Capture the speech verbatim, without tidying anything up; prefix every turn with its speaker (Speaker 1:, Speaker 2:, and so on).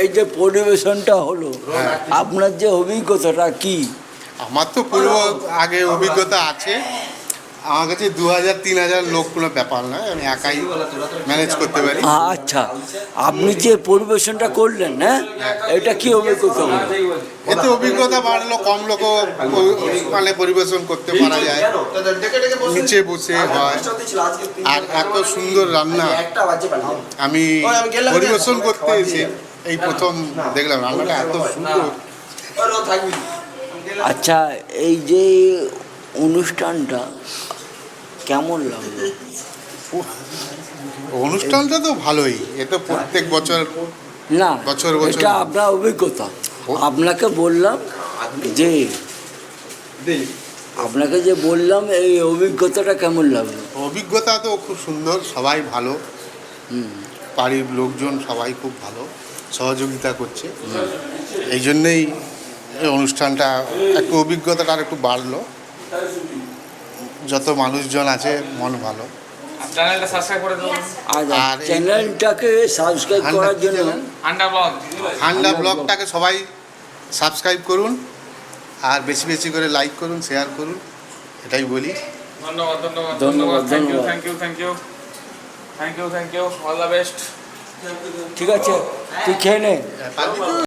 Speaker 1: এই যে পরিবেশনটা হলো, আপনার যে অভিজ্ঞতাটা কি?
Speaker 2: আমার তো পূর্ব আগে অভিজ্ঞতা আছে। আমার কাছে দু হাজার তিন হাজার লোক কোনো ব্যাপার নয়, আমি একাই ম্যানেজ করতে পারি।
Speaker 1: আচ্ছা, আপনি যে পরিবেশনটা করলেন, হ্যাঁ, এটা কি অভিজ্ঞতা হলো?
Speaker 2: এতে অভিজ্ঞতা বাড়লো, কম লোক মানে পরিবেশন করতে পারা যায়, নিচে বসে হয়। আর এত সুন্দর রান্না আমি পরিবেশন করতে এসে এই প্রথম দেখলাম, রান্নাটা এত সুন্দর।
Speaker 1: আচ্ছা, এই যে অনুষ্ঠানটা কেমন লাগলো?
Speaker 2: অনুষ্ঠানটা তো ভালোই, এ তো প্রত্যেক বছর
Speaker 1: না,
Speaker 2: বছর বছর
Speaker 1: এটা আপনার অভিজ্ঞতা। আপনাকে বললাম যে আপনাকে যে বললাম এই অভিজ্ঞতাটা কেমন লাগলো?
Speaker 2: অভিজ্ঞতা তো খুব সুন্দর, সবাই ভালো, বাড়ির লোকজন সবাই খুব ভালো সহযোগিতা করছে। এই জন্যেই এই অনুষ্ঠানটা একটু অভিজ্ঞতাটা আর একটু বাড়লো। যত মানুষজন আছে মন ভালো।
Speaker 3: চ্যানেলটা সাবস্ক্রাইব করে দিন।
Speaker 1: আর চ্যানেলটাকে সাবস্ক্রাইব করার জন্য
Speaker 3: হান্ডা ব্লগ
Speaker 2: হান্ডা ব্লগটাকে সবাই সাবস্ক্রাইব করুন, আর বেশি বেশি করে লাইক করুন, শেয়ার করুন, এটাই বলি।
Speaker 3: ধন্যবাদ ধন্যবাদ
Speaker 1: ধন্যবাদ,
Speaker 3: ধন্যবাদ থ্যাংক ইউ
Speaker 1: ধন্যবাদ।
Speaker 3: Thank you thank you thank you thank you all the best.
Speaker 1: ঠিক আছে, তুই খেয়ে নে।